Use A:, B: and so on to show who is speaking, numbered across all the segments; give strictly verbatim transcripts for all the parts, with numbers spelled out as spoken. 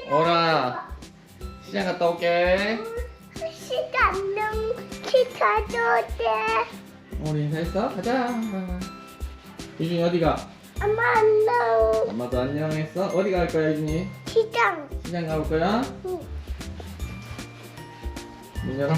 A: 오라 시장 갔다 올게.
B: 시간은 기다려야 돼.
A: 우리 인사했어? 가자. 유준이 어디가?
B: 엄마 안녕.
A: 엄마도 안녕했어? 어디 갈 거야 유준이?
B: 시장.
A: 시장 가볼 거야?
B: 응.
A: 문 열어.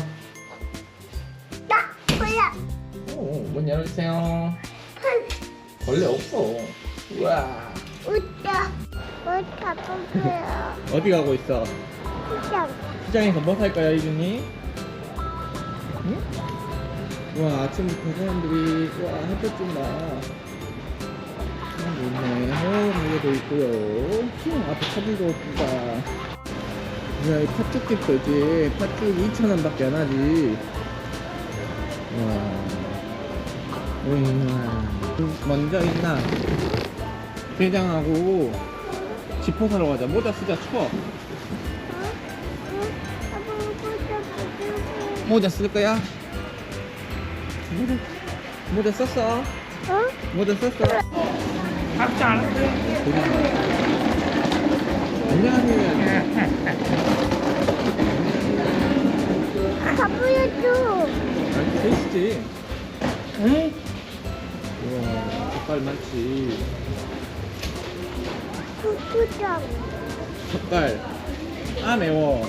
B: 나 뭐야?
A: 오, 문 열어주세요. 벌레 없어. 우와.
B: 웃자. 뭐 가볼게요.
A: 어디 가고 있어?
B: 시장.
A: 시장에서 뭐 살 거야 유준이? 응? 우와 아침부터 사람들이 우와 햇볕 좀 나. 사람 있네. 어 가게도 있고요. 휴 앞에 차들도 없다. 뭐야 이 팥죽집도 있지. 팥죽 이천 원밖에 안 하지. 우와. 우와. 먼저 있나? 게장하고 지퍼 사러 가자. 모자 쓰자 추워. 모자 쓸 거야? 모자, 모자 썼어?
B: 어?
A: 모자 썼어? 밥도 안 했어. 안녕하세요.
B: 가보여줘.
A: 아, 계시지? 응? 우와, 젓갈 많지.
B: 구구장.
A: 젓갈. 아, 매워.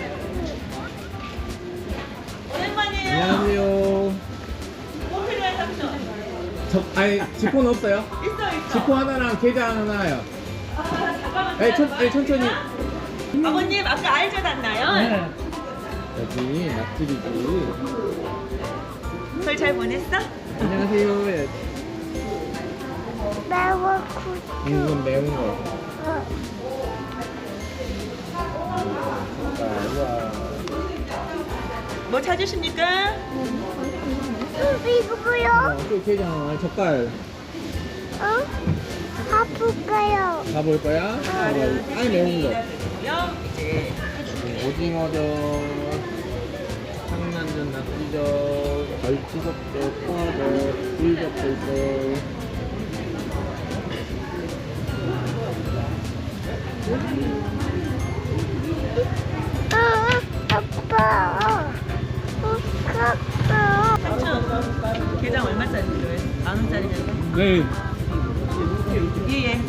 C: 오랜만이에요.
A: 안녕하세요.
C: 뭐 필요해 삼촌?
A: 저, 아니, 지포는 없어요?
C: 있어 있어.
A: 지포 하나랑 게장 하나요.
C: 아, 잠깐만.
A: 에, 천, 에, 천천히.
C: 아버님 아까 알젓 왔나요?
A: 네. 여기 낙지리지.
C: 설 잘 보냈어?
A: 안녕하세요. 예.
B: 매워 구구.
A: 이건 매운 거.
B: 어.
A: 아, 우와.
C: 뭐 찾으십니까?
B: 응, 이거 뭐야?
A: 어, 또 게장, 젓갈.
B: 어? 가볼까요?
A: 가볼 거야? 가봐. 아니, 매운 거.
C: 요 이제
A: 오징어젓, 상난젓, 낙지젓, 갈치젓, 포화젓, 굴젓도 있고.
B: 어, 아빠. 어, 아빠.
C: 삼촌 게장 얼마짜리 필요해? 만 원짜리냐고?
A: 네.
C: 예예.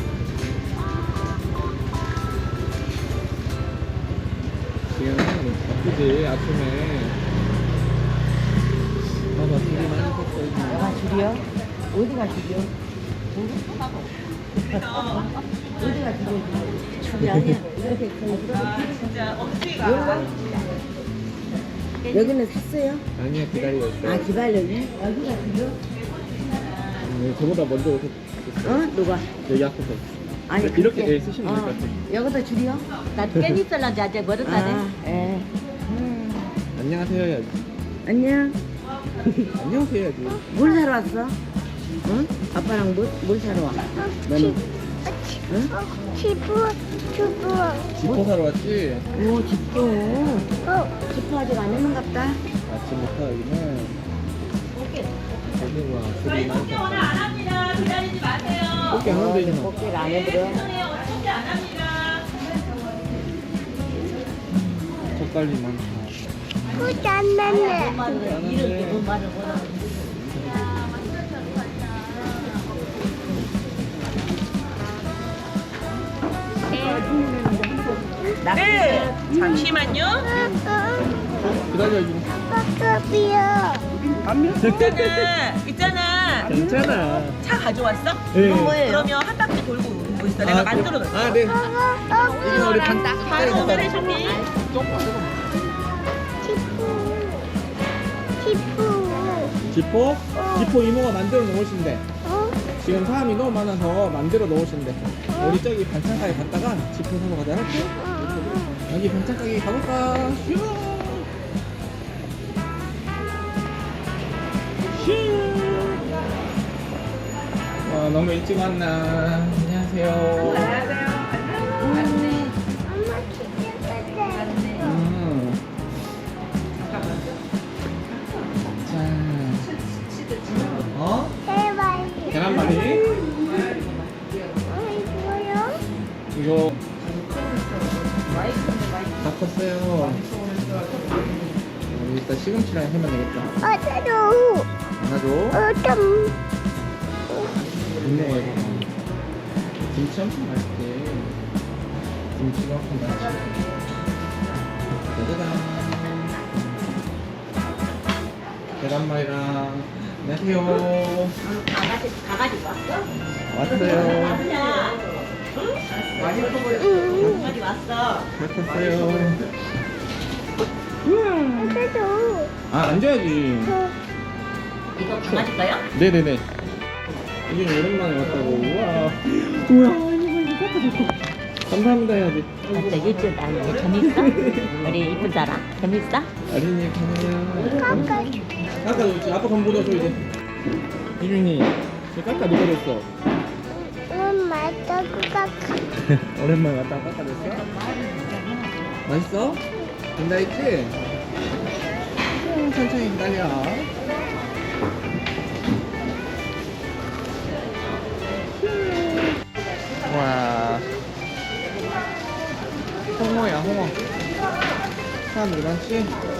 A: 지금 바쁘지, 아침에. 봐봐, 되게 많이 샀어.
D: 아, 줄이요? 어디가 줄이요? 어디가 줄이요? 줄이 아니야. 이렇게 큰
C: 아 진짜 억지가.
D: 여기는 샀어요?
A: 아니야, 기다리고 있어.
D: 아, 기다려요? 여기가 줄이요?
A: 네, 저보다 먼저 오셨어.
D: 어? 누가?
A: 여기 앞에서.
D: 아니,
A: 이렇게
D: 그렇게-
A: 예, 쓰시면 될 것 같아요.
D: 여기다 줄이요?
E: 나 깻잎 썰는지 아직 멀었다네.
D: 아, 예.
A: 안녕하세요 해야지.
D: 안녕.
A: 안녕하세요 해야지.
D: 뭘 사러 왔어? 응? 아빠랑 뭘, 뭘 사러 와? 너는? 응?
B: 어, 지부, 주부.
A: 지퍼 사러 왔지?
D: 오, 집도.
B: 어,
D: 집도 아직 안 했는갑다.
A: 아침부터 여기는 고등어,
C: 저희
A: 술이
C: 꽃게 오늘 안 합니다. 기다리지 마세요.
A: 꽃게 하나 되잖아.
D: 꽃게를 안
C: 네,
D: 해버려.
C: 죄송해요. 오늘 꽃게 안 합니다.
A: 젓갈이 많다.
B: 후안 났네.
A: 많은데
C: 네. 잠시만요.
A: 기다려 좀.
B: 아빠급이요.
C: 있잖아. 있잖아.
A: 괜찮아.
C: 차 가져왔어?
A: 네.
C: 그러면 한 바퀴 돌고 오고 있어. 내가 만들어 놓을게.
A: 아, 네. 이건 우리 반
C: 바로 해줄게.
B: 지푸. 지푸.
A: 지포? 지포 이모가 만들어 놓으신대.
B: 어?
A: 지금 사람이 너무 많아서 만들어 놓으신대. 우리 저기 반찬 가게 갔다가 지포 사러 가자. 할게. 여기 반찬 가게 가볼까? 슈. 슈. 와 너무 일찍 왔나. 안녕하세요.
B: 엄마 치킨 사자.
A: 음. 자. 어?
B: 대박.
A: 계란말이?
B: 어, 이거요?
A: 이거 다 컸어요. 여기 일단 시금치랑 해면 되겠다.
B: 어디로?
A: 하나줘.
B: 어쩜?
A: 좋네. 김치 엄청 맛있대. 김치가 엄청 맛있어. 짜자잔. 계란말이랑 안녕하세요.
E: 강아지, 강아지 왔어?
A: 왔어요.
B: 응.
E: 강아지 왔어.
A: 잘 컸어요. 우와.
B: 어디로?
A: 아 앉아야지.
E: 이거 강아지가요?
A: 네네네. 이제 오랜만에 왔다고. 우와. 우와. 이거 깎아줬어. 감사합니다 해야지.
E: 진짜 일주일 나는데 재밌어? 우리 이쁜 사람 재밌어?
A: 어린이 가네요.
B: 깎아.
A: 깎아줬지. 아빠 건 묻어줘 이제. 이준이. 저 깎아 누가 줬어?
B: 응, 맞다고 깎아.
A: 오랜만에 왔다가 깎아줬어? 맛있어? 된다 했지? 음, 천천히 기다려. 와. 홍어야 홍어. 사람들 많지?